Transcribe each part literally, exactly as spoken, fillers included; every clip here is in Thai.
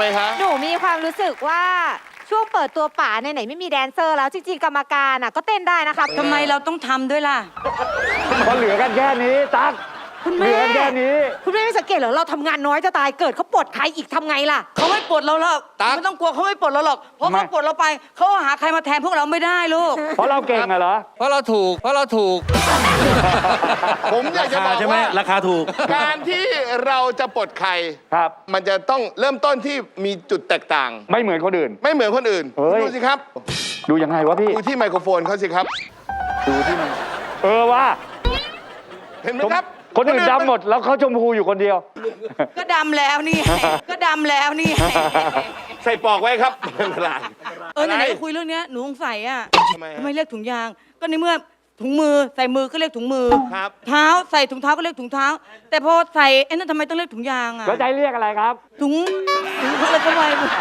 คะหนูมีความรู้สึกว่าช่วงเปิดตัวป๋าไหนๆไม่มีแดนเซอร์แล้วจริงๆกรรมการอ่ะก็เต้นได้นะคะทำไมเราต้องทำด้วยล่ะเพราะเหลือกันแค่นี้ตั๊กคุณเหลืแม่อกันแค่นี้คุณแม่ไม่สังเกตเหรอเราทำงานน้อยจะตายเกิดเขาปลดใครอีกทำไงล่ะเขาไม่ปลดเราหรอกไม่ต้องกลัวเขาไม่ปลดเราหรอกเพราะเขาปลดเราไปเขาหาใครมาแทนพวกเราไม่ได้ลูกเพราะเราเก่งอะเหรอเพราะเราถูก เพราะเราถูกผมอยากจะบอกใช่ไหมว่าราคาถูกการที่เราจะปลดใครครับมันจะต้องเริ่มต้นที่มีจุดแตกต่างไม่เหมือนคนอื่นไม่เหมือนคนอื่นเฮ้ยดูสิครับดูยังไงวะพี่ดูที่ไมโครโฟนเขาสิครับดูที่มัน เออว่าเห็นไหมครับคนอื่นดำหมดแล้วเขาชมพูอยู่คนเดียวก็ดำแล้วนี่ ก็ดำแล้วนี่ใส่ปอกไว้ครับไม่เป็นไรเออไหนๆคุยเรื่องนี้หนูสงสัยอ่ะทำไมฮะทำไมเรียกถุงยาง ก็ในเมื่อถุงมือใส่มือก็เรียกถุงมือครับเท้าใส่ถุงเท้าก็เรียกถุงเท้า แต่พอใส่ไอ้นั่นทำไมต้องเรียกถุงยางอ่ะแล้วจะให้เรียกอะไรครับถุงถุงอะไรก็ไว้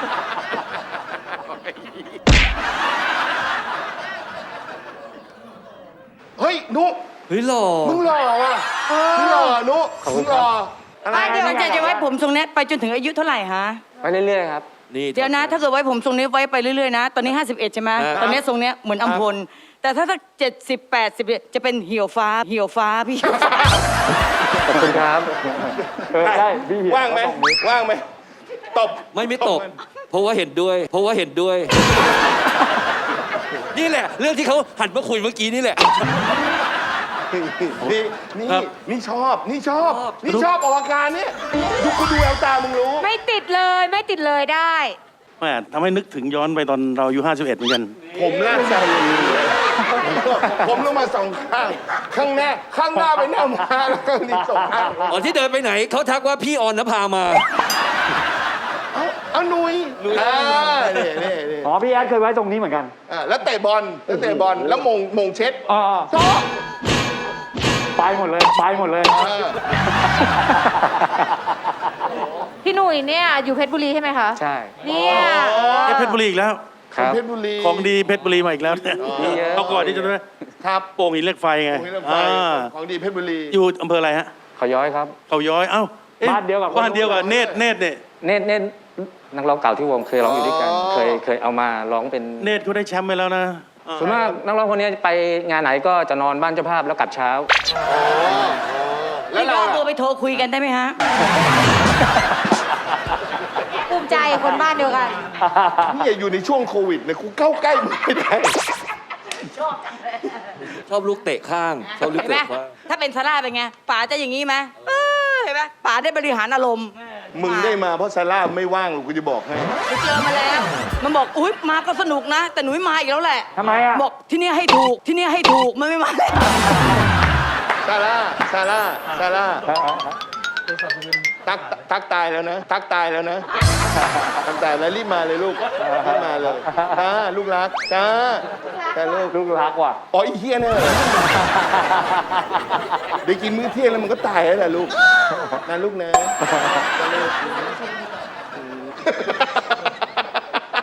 เฮ้ยนุเฮ้ยหล่อมึงหล่อว่ะมึงหล่อนุมึงหล่ออะไรเดี๋ยวจะจะไว้ผมทรงนี้ไปจนถึงอายุเท่าไหร่ฮะไปเรื่อยๆครับนี่เดี๋ยวนะถ้าเกิดไว้ผมทรงนี้ไว้ไปเรื่อยๆนะ ตอนนี้ห้าสิบเอ็ดใช่ไหมตอนนี้ทรงเนี้ยเหมือนอัมพล แต่ถ้าสักเจ็ดสิบแปดสิบจะเป็นเหี่ยวฟ้าเหี่ยวฟ้าพี่ขอบคุณครับเออได้พี่เหี่ยวว่างไหมว่างไหมตบไม่ไม่ตก เพราะว่าเห็นด้วย เพราะว่าเห็นด้วย นี่แหละ เรื่องที่เขาหันมาคุยเมื่อกี้นี่แหละนี่นี่ครับนี่ชอบ นี่ชอบ นี่ชอบออกอาการเนี่ยดูกูดูแววตามึงรู้ไม่ติดเลยไม่ติดเลยได้แม่ทำให้นึกถึงย้อนไปตอนเราอายุห้าสิบเอ็ดเหมือนกันผมลากใจผมลงมาสองข้าง ข้างหน้า ข้างหน้าไปหน้ามาแล้วก็นี่สองข้างอ๋อที่เดินไปไหนเขาทักว่าพี่ออนนภามาเอาเอาหนุยอ่านี่นี่นี่อ๋อพี่แอดเคยไว้ตรงนี้เหมือนกันอ่าแล้วเตะบอล แล้วเตะบอล แล้วมงมงเช็ดอ๋อชอบไปหมดเลย ไปหมดเลยเออพี่หนุ่ยเนี่ยอยู่เพชรบุรีใช่ไหมคะใช่เนี่ยเอ๊ะเพชรบุรีอีกแล้วครับเพชรบุรีของดีเพชรบุรีมาอีกแล้วเนี่ยมีเยอะเอาก่อนที่จะด้วยครับโป่งหินเหล็กไฟไงของที่เราไปอ่าของดีเพชรบุรีอยู่อำเภออะไรฮะเขาย้อยครับเขาย้อย เอ้าอ๊ะบ้านเดียวกับบ้านเดียวกับเนตรเนตรเนี่ยเนตรเนตรนักร้องเก่าที่วงเคยร้องอยู่ด้วยกัน เคยเคยเอามาร้องเป็นเนตรเขาได้แชมป์ไปแล้วนะอ่าส่วนมากนักร้องคนนี้ไปงานไหนก็จะนอนบ้านเจ้าภาพแล้วกลับเช้าแล้วพี่ก็เราเอาเบออะร์ไปโทรคุยกันได้ไหมฮะภูมิใจคนบ้านเดียวกันนี่อย่าอยู่ในช่วงโควิดนะกูเข้าใกล้มึงไม่ได้ชอบลูกเตะข้าง ชอบลูกเห็นไหมเตะข้างถ้าเป็นซาร่าเป็นไงป๋าจะอย่างนี้ไหมเออเห็นไหมป๋าได้บริหารอารมณ์มึงได้มาเพราะซาร่าไม่ว่างหรอกกูจะบอกให้ไปเจอมาแล้ว มันบอกอุ้ยมาก็สนุกนะ แต่หนูไม่มาอีกแล้วแหละทำไมอะบอกที่นี่ให้ถูกที่นี่ให้ถูกมันไม่มาซาร่า ซาร่า ซาร่า ตักตักตายแล้วนะ ตักตายแล้วนะ ตักตายแล้วรีบมาเลยลูก รีบมาเลยจ้าลูกรักจ้าจ้าลูกลูกรักว่ะอ๋อไอีเฮียเนี่ยเหรอเดี๋ยวกินมื้อเที่ยงแล้วมันก็ตายแล้วแหละลูกนะลูกนะจ้าลูก